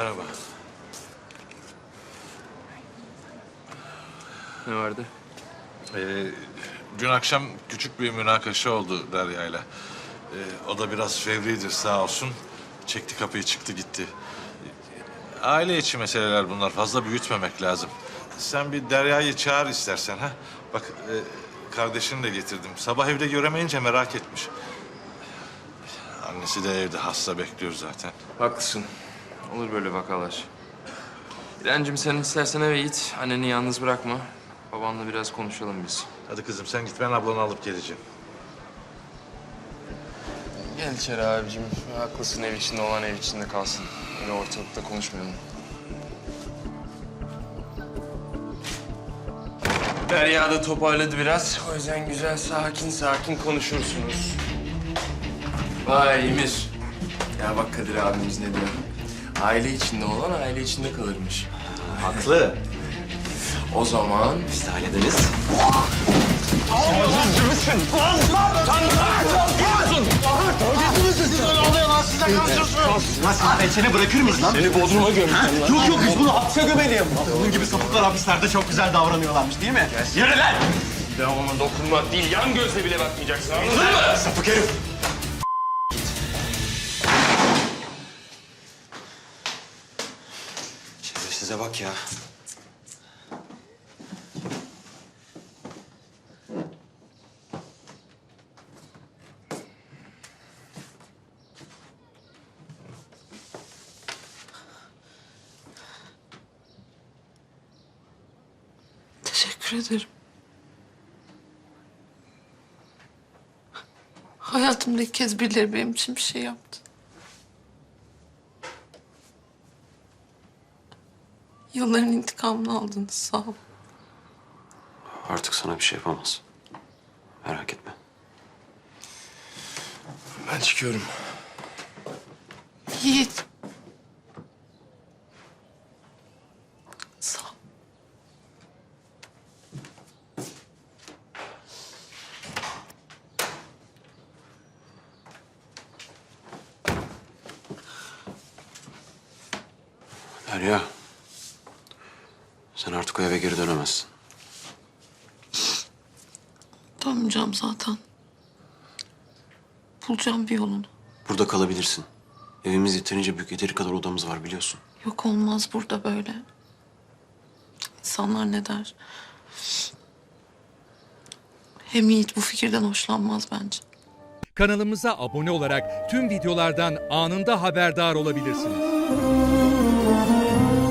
Merhaba. Ne vardı? Dün akşam küçük bir münakaşa oldu Derya'yla. O da biraz fevridir sağ olsun. Çekti kapıyı çıktı gitti. Aile içi meseleler bunlar. Fazla büyütmemek lazım. Sen bir Derya'yı çağır istersen ha. Bak kardeşini de getirdim. Sabah evde göremeyince merak etmiş. Annesi de evde hasta bekliyor zaten. Haklısın. Olur böyle vakalar. İremciğim sen istersen eve git. Anneni yalnız bırakma. Babanla biraz konuşalım biz. Hadi kızım sen git, ben ablanı alıp geleceğim. Gel içeri abicim. Haklısın, ev içinde olan ev içinde kalsın. Öyle ortalıkta konuşmayalım. Derya da toparladı biraz. O yüzden güzel sakin sakin konuşursunuz. Vay Emir. Ya bak Kadir abimiz ne diyor. Aile içinde olan aile içinde kalırmış. Haklı. O zaman Biz de hallederiz. Nasıl seni bırakır mıyız lan? seni Bodrum'a gömeceğim lan. Yok biz bunu hapse gömeliyim. Bunun gibi sapıklar hapislerde çok güzel davranıyorlarmış değil mi? Yürü lan! Bir daha ona dokunmak değil, yan gözle bile bakmayacaksın, anladın mı? Sapık herif! Şerefsize bak ya. Teşekkür ederim. Hayatımda ilk kez birileri benim için bir şey yaptı. Yılların intikamını aldınız, sağ ol. Artık sana bir şey yapamaz. Merak etme. Ben çıkıyorum. Yiğit. Sağ ol. Derya. Sen artık o eve geri dönemezsin. Dönmeyeceğim zaten. Bulacağım bir yolunu. Burada kalabilirsin. Evimiz yeterince büyük, yeteri kadar odamız var biliyorsun. Yok, olmaz burada böyle. İnsanlar ne der? Hem Yiğit bu fikirden hoşlanmaz bence. Kanalımıza abone olarak tüm videolardan anında haberdar olabilirsiniz.